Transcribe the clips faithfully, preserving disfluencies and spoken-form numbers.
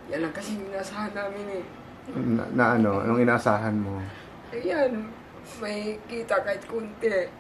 Yan lang kasi inasahan namin eh. Na, na ano, anong inaasahan mo? Ayan, may kita kahit kunti.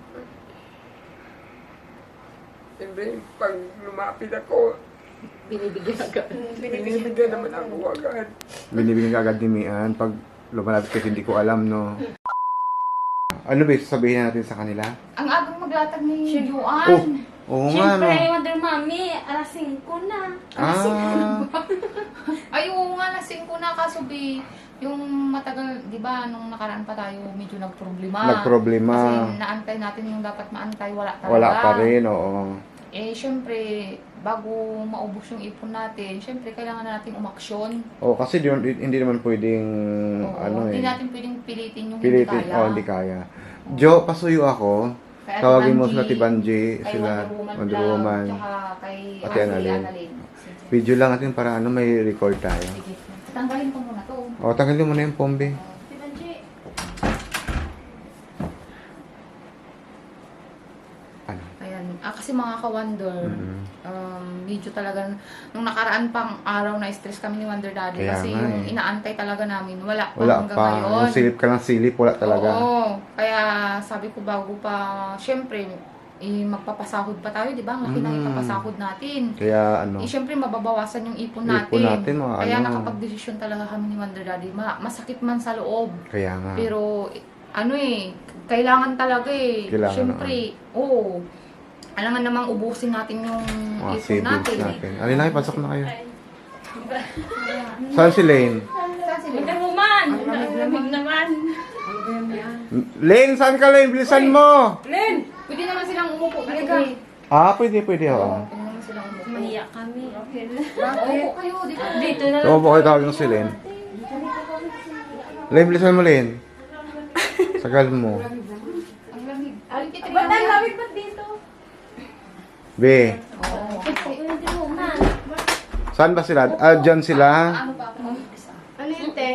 Siyempre, pag lumapit ako, Binibigyan agad. binibigyan naman ako agad. Binibigyan ka agad ni Mian pag lumalapit kasi hindi ko alam, no? Ano ba sasabihin natin sa kanila? Ang agang maglatag ni Juan. Oh, oo nga, no? Siyempre, Wonder Mommy, alas singko na. Ah, Ay, oo nga, lasing ko na kaso bi, yung matagal, di ba, nung nakaraan pa tayo, medyo nagproblema. nagproblema. Kasi naantay natin yung dapat maantay, wala talaga. Wala pa rin, oo. Eh, syempre, bago maubos yung ipon natin, syempre, kailangan na natin umaksyon. Oh, kasi di, hindi naman pwedeng, Oo, ano hindi eh, natin pwedeng pilitin yung pilitin. hindi kaya. Oh, hindi kaya. Jo, pasuyo ako. Kay Ate Tawagin mo Banji, sila Ate Banji, kay sila Wonder Woman, Wonder Vlog, Woman. tsaka kay Ate Ate Annalyn. Annalyn. Sige. Video lang natin para ano, may record tayo. Sige. Tanggalin ko muna to. Oh, tanggalin mo na yung pombe. Si Banji. Ano? Ayan. Ah, kasi mga ka-Wonder, Mhm. um, medyo talaga, nung nakaraan pang araw na stress kami ni Wonder Daddy. Kaya kasi nga yung eh. inaantay talaga namin, wala pa Wala hanggang pa. ngayon. Yung silip ka lang silip, wala talaga. Oo. Kaya sabi ko bago pa, syempre, eh, magpapasahod pa tayo, di ba? Ang laki na Mm. ipapasahod natin. Kaya ano, Eh, syempre, mababawasan yung ipon natin. ipon natin, mga Kaya ano. nakapag-desisyon talaga kami ni Wonder Daddy. Ma masakit man sa loob. Kaya nga. Pero, eh, ano eh, kailangan talaga eh. Kailangan Syempre, oo. Alangan namang ubusin natin yung Mga ipon savings natin. natin. Ano na, pasok na kayo. Saan si Lane? Saan sila? Wonder Woman! Ang lamig naman. Lane, saan ka Lane? Bilisan mo! Len! Pwede naman silang umupo. Dito, Halika. eh. Ah, pwede, pwede, oo. Pwede naman silang umupo. Mahiya kami. Okay na. Umupo kayo, dito. Dito na lang. So, po kayo tawagin si Lane. Lane, bilisan mo Lane. Sagal mo. Ang lamig. Ay, kita Ba't ang lamig ba't dito? Be, Oo. Wonder Woman. saan ba sila? Ah, dyan sila. Ano ba ako mag-umpisa? Ano yun, te?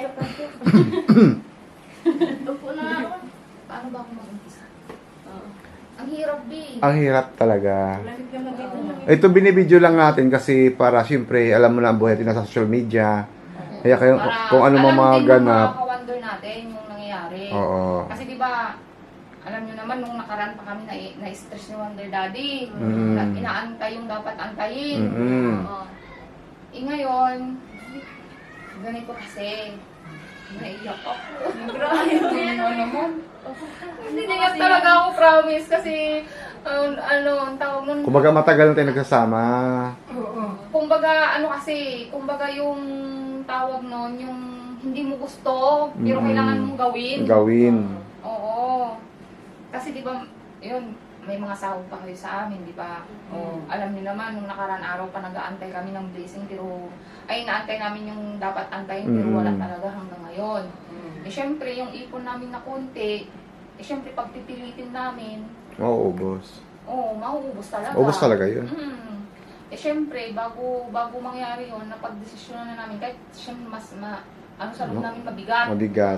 Upo na ako. Paano ba ako mag-umpisa? Ang hirap, B. Ang hirap talaga. Lamig naman dito. Ito binibideo lang natin kasi para siyempre alam mo na ang buhay natin nasa social media. Kaya kayo, Para kung ano mga mga alam din ng ganap. mga ka-wonder natin yung nangyayari. Oo. Kasi di ba, alam nyo naman, nung nakaraan pa kami na, na-stress ni Wonder Daddy. Mm. Na, inaantay yung dapat antayin. Mm-mm. Oo. Eh ngayon, ganito kasi, naiyak ako. Grabe na naman. Naiyak talaga ako, promise. Kasi, um, ano, ang tawag nun. Kumbaga matagal na tayo nagsasama. Oo. Kumbaga, ano kasi, kumbaga yung tawag nun, yung hindi mo gusto, pero Mm. kailangan mong gawin. Gawin. Oo. Kasi di ba, yun, may mga sahod pa kayo sa amin, di ba? O, alam niyo naman, nung nakaraan araw pa nag-aantay kami ng blessing, pero, ay, naantay namin yung dapat antayin, pero Mm. wala talaga hanggang ngayon. Eh, syempre, yung ipon namin na konti, eh, syempre, pagpipilitin namin, Oo, boss. oo, mauubos talaga. Ubus talaga yun. Mm. Eh, syempre, bago, bago mangyari yun, napag-desisyon na namin, kahit syempre, mas, ma, ano sa loob No? namin mabigat. Mabigat.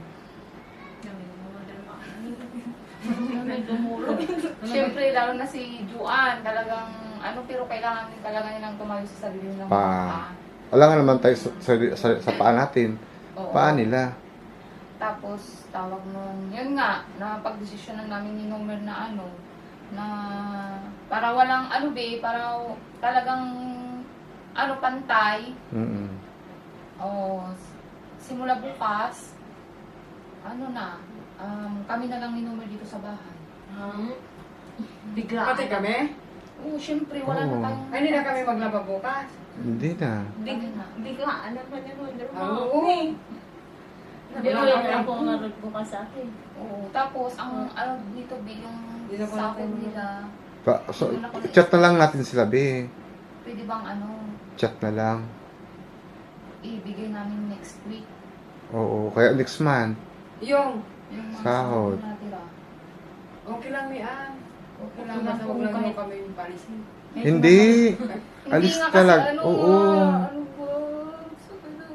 Siyempre, lalo na si Juan, talagang ano, pero kailangan din talaga nilang tumayo sa sarili nilang Pa. mga Alam nga naman tayo sa, sa, sa, sa paa natin. Oo. Paa nila. Tapos, tawag nun, yun nga, napag-desisyon na namin ni Nomer na ano, na para walang ano be, para talagang ano, pantay. Mm-mm. O, simula bukas, ano na, um, kami na lang ni Nomer dito sa bahay. Bigla. Pati kami? Oo, syempre, wala Oo. na tayong... Ay, hindi na kami maglaba bukas. Hindi na. Big, Big, biglaan naman yung Wonder Woman. Oo. Hindi ko lang lang kung narod bukas sa akin. Oo, tapos, ang ano dito, be, yung Hindi na ko sahod na- nila, Pa, so, chat na lang natin sila, be. pwede bang ano, Chat na lang. ibigay namin next week. Oo, kaya next month. Yung, Yung mga Sahod. sahod natira. okay lang ni Ann. Okay lang, Okay basta lang huwag po lang kahit- mo kami palisin. Medyo Hindi. nakaka- Alis Hindi nga talag- kasi, ano, oo. ah, ano ba? Sa ano?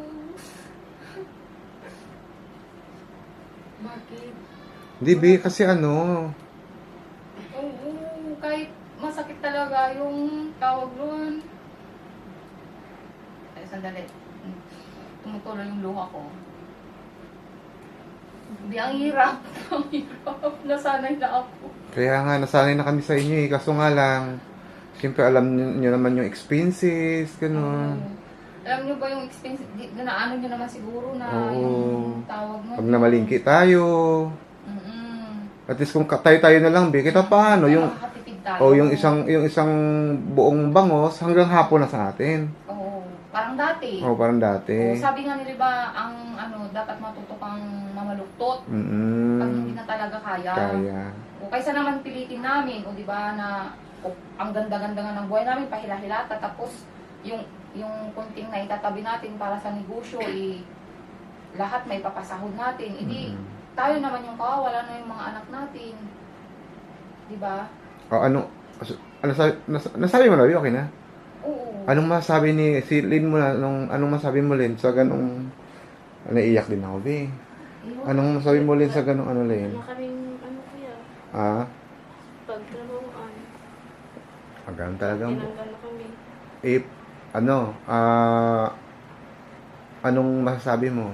Bakit? Hindi, be, kasi ano. Oo, kahit masakit talaga yung tawag nun. Eh, sandali. Hmm. Tumutuloy yung luha ko. Hindi, ang hirap. Ang hirap. Nasanay na ako. Kaya nga, nasanay na kami sa inyo eh. Kaso nga lang, siyempre alam niyo naman yung expenses, gano'n. Oo. Alam niyo ba yung expense, di, ganaano niyo naman siguro na Oo. yung tawag mo. Pag namalingki tayo, Mm-mm. at least kung ka- tayo-tayo na lang, be, kita paano, yung, Makakatipid tayo. o yung isang, yung isang buong bangos hanggang hapon na sa atin. Oo. Parang dati. O, parang dati. Oo, sabi nga nila ba, ang ano, dapat matuto kang mamaluktot pag hindi Mm, na talaga kaya. kaya. O kaysa naman pilitin namin, o di ba na o, ang ganda-ganda nga ng buhay namin, pahila-hilata, tapos yung yung kunting na itatabi natin para sa negosyo, eh, lahat may papasahod natin. Hindi, Mm. tayo naman yung kawawala na yung mga anak natin. Di ba? O, ano, ano sabi, nas, nasabi mo na, okay na? Oo. Anong masabi ni si Lin mo na, anong, anong masabi mo Lin sa ganong, naiiyak din ako, be. Ayun. Anong masabi mo Lin sa ganong ano Lin? Wala kaming, ano kuya, Ah, pagtrabahoan. hanggang talagang, Tinanggal na kami. eh, ano, ah, anong masasabi mo?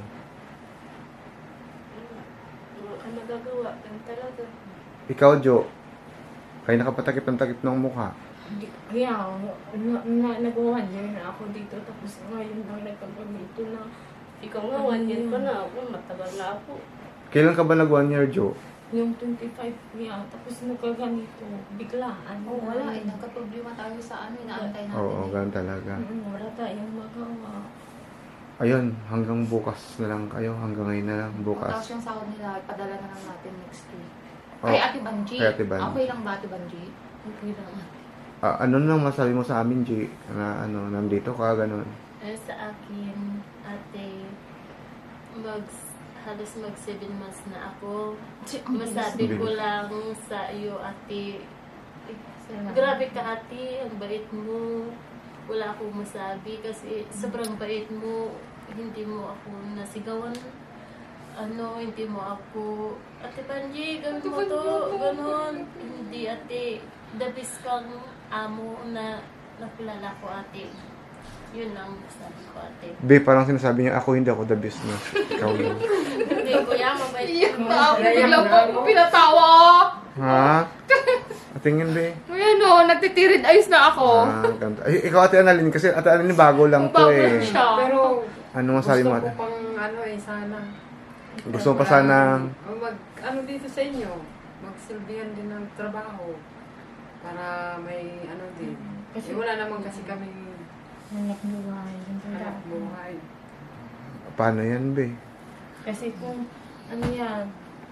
Wala ka nagagawa. Ganun talaga. Ikaw, Jo, kayo nakapatakip ng takip ng mukha. Hindi- Kaya, na, na, nag-one year na ako dito. Tapos ngayon lang nagkagamito na. Ikaw nga, one year pa na ako. Matagal na ako. Kailan ka ba nag one year, Jo? Yung twenty-five niya, tapos nagkaganito. Biglaan. Oo, wala eh. Nagka-problema tayo sa ano, inaantay natin. Oo, eh. ganun talaga. Mm, wala tayong magawa. Ayun, hanggang bukas na lang kayo, hanggang ngayon na lang, Tapos bukas. yung sahod nila, padala na lang natin next week. Oh, Kay Ate Banji. kay Ate Banji. Okay lang ba Ate Banji? Okay lang. Ah, ano nang masabi mo sa amin, G? Na ano, nandito ka, ganun. Eh, sa akin, ate, mag, halos mag seven months na ako. Masabi ko lang sa iyo, ate, grabe ka ate, ang bait mo. Wala akong masabi kasi sobrang bait mo. Hindi mo ako nasigawan. Ano, hindi mo ako, Ate Panji, ganun mo to, ganun. Hindi ate, the best kang amo na nakilala ko ate. Yun ang sabi ko ate. Be, parang sinasabi niya, ako hindi ako the business. Ikaw yun. Hindi kuya, mabait Iyak mo. na ako. Bigla po ako pinatawa. Ha? Tingin, Be. Ayan o, nagtitirid ayos na ako. Ah, ganda. Ay, ikaw, Ate Annalyn, kasi Ate Annalyn, bago lang to Bago eh. siya. Pero Ano masabi gusto mo, ko Ate? pang ano eh, sana. Gusto mo pa sana, Mag, ano dito sa inyo, magsilbihan din ng trabaho. Para may ano din. Kasi- Eh, wala naman kasi kaming Hanap buhay. Ganun hanap talaga. buhay. paano yan, Be? Kasi kung ano yan,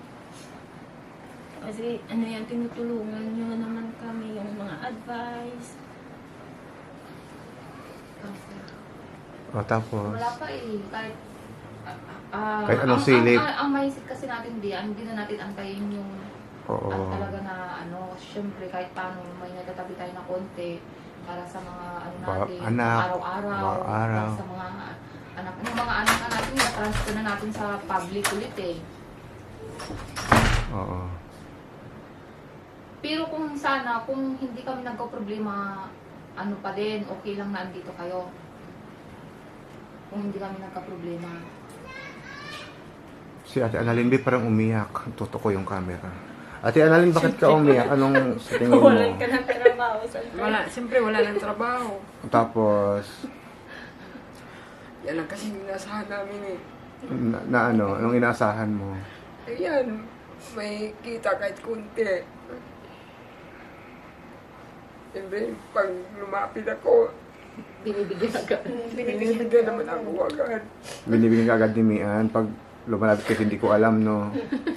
kasi ano yan, tinutulungan nyo naman kami yung mga advice. O, tapos, Wala pa eh. Kahit, ah, Kahit anong ang, silip. Ang, ang, ang maisip kasi natin di, hindi na natin antayin yung oo. at talaga na ano, syempre kahit paano may natatabi tayo na konti para sa mga ano Ba- natin, anak, araw-araw, araw-araw. para sa mga anak, yung mga anak na natin, na-transfer na natin sa public ulit eh. Oo. Pero kung sana, kung hindi kami nagka-problema, ano pa din, okay lang na andito kayo. Kung hindi kami nagka-problema. Si Ate Annalyn, Be, parang umiyak. Tuto ko yung camera. Ate Annalyn, bakit ka umiyak? Anong sa tingin mo? Walang ka ng trabaho sa Wala, siyempre wala nang trabaho. Tapos, Yan ang kasi inasahan namin eh. na, na ano, anong inaasahan mo? Ayan, may kita kahit kunti. Siyempre, pag lumapit ako, Binibigyan agad. binibigyan naman ako agad. Binibigyan ka agad ni Mian pag lumalapit kasi hindi ko alam, no?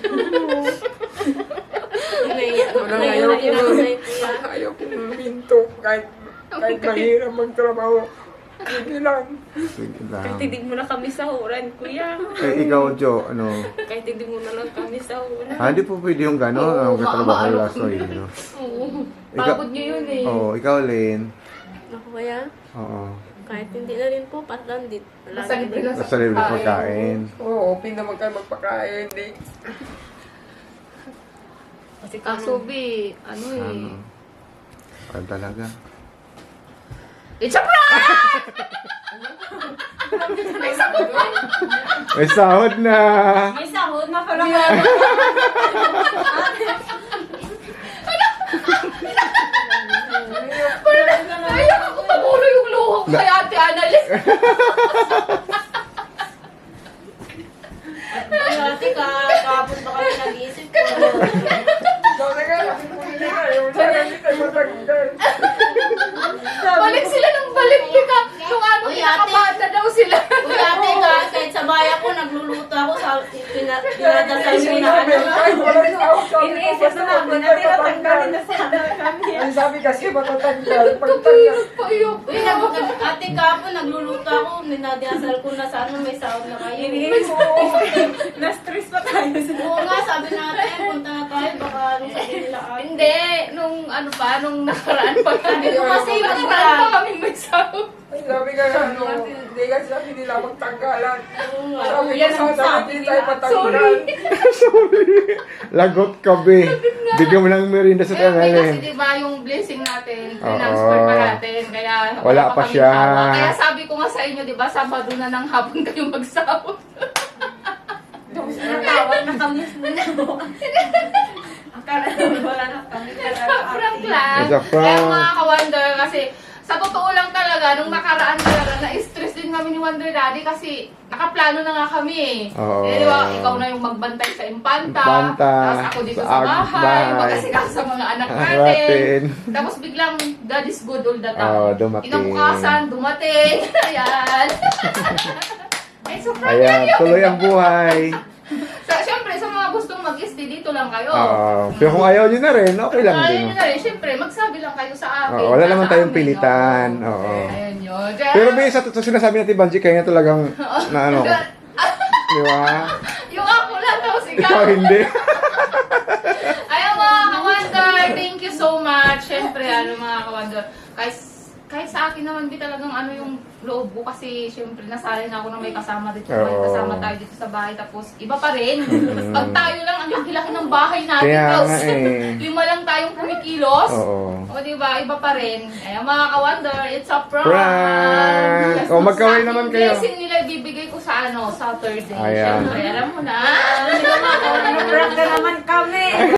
Naiyak Walang naiyak ayaw na ko. yun, kuya. Ayaw kong minto kahit, kahit mahirap magtrabaho. Sige lang. Sige Kahit lang. hindi mo na kami sahuran, kuya. Eh, ikaw, Jo, ano? Kahit hindi mo na lang kami sahuran. Ah, di po pwede yung gano'n. Oo, Ang katrabaho maano. laso yun, no? Oo. Ikaw- Pagod nyo yun eh. Oo, ikaw, Lynn. Ako kuya, Oo. kahit hindi na rin po, parang di. Basta libre lang Basta libre pagkain. Oo, open naman kayo magpakain. Di. Kasi Kaso, B, ano eh. Ano? Ano talaga? It's a prank! May sagot ba? May sahod na. May sahod na pala. Naiyak ako tabulo yung luha ko kay Ate Annalyn. Ate ka, kapon ba kami nag-iisip ko? Balik sila ng balik ka. Nung ano, Uy, ate. pinakabata daw sila. Uy, ate ka, kahit sa bahay ako, nagluluto ako sa pina- pinadasal ko na ano. Iniisip na namin na tinatanggalin na sana kami. Ang sabi kasi matatanggal. Pagtanggal. Kapayos pa yun. Uy, nag, nag- ate ka po, nagluluto ako, ninadasal ko na sana may sahod na kayo. Iniisip na-stress pa tayo sa Oo nga, sabi natin, punta na tayo, baka anong sabihin nila ate. Hindi, nung ano pa, nung nakaraan pa kami. Sabi ko kasi, nakaraan wala. pa kami may sahod. Ay, sabi ka ano, hindi kasi sabi nila magtanggalan. Oo nga. Sabi ko yan ang sana sabi hindi tayo nila. patanggal. Sorry. Lagot ka, be. Bigyan mo ng merinda sa Kaya may kasi tangalin. di ba yung blessing natin, Oo. transfer pa natin. Kaya Wala pa kaming siya. hawak. Kaya sabi ko nga sa inyo, di ba, Sabado na ng hapon kayo magsahod. Natawag na kami. Akala namin wala na kami. Prank lang. It's a prank. Kaya mga ka-wonder, kasi sa totoo lang talaga, nung nakaraan talaga, na-stress din kami ni Wonder Daddy kasi nakaplano na nga kami eh. Oo. Eh, di ba, ikaw na yung magbantay sa Impanta. Impanta, Tapos ako dito sa sa, ag- bahay. bahay. Mag-asikaso sa mga anak natin. Natin. Tapos biglang, God is good all the time. Oo, dumating. Kinabukasan, dumating. Ayan. Ay, so prank lang Ayan, yun. tuloy ang buhay. Sa, Siyempre, sa mga gustong mag-stay, dito lang kayo. Oo. Pero kung ayaw nyo na rin, okay lang Ayaw din. nyo na rin, siyempre, magsabi lang kayo sa akin. Oo, wala Nasa naman tayong amin, pilitan. oo. Oo. Ayan yun. Pero may sa, sa sinasabi natin, Banji, kaya nga talagang, na ano, di ba? Yung ako lang daw sigaw. Ikaw hindi. Ayaw mga ka-wonder, thank you so much. Siyempre, ano mga ka-wonder, kahit, kahit sa akin naman di talagang ano yung loob ko kasi siyempre nasanay na ako na may kasama dito. May Oo. kasama tayo dito sa bahay. Tapos iba pa rin. Mm. Pag tayo lang, ang laki-laki ng bahay natin. Kaya Tapos, nga eh. lima lang tayong kumikilos. Oo. O diba, iba pa rin. Ayaw mga ka-wonder, it's a prank. Prank! Yes, O, magkaway sa naman aking kayo. blessing nila ibibigay ko sa ano, Saturday. Ayan. Siyempre, alam mo na. Prank na naman kami.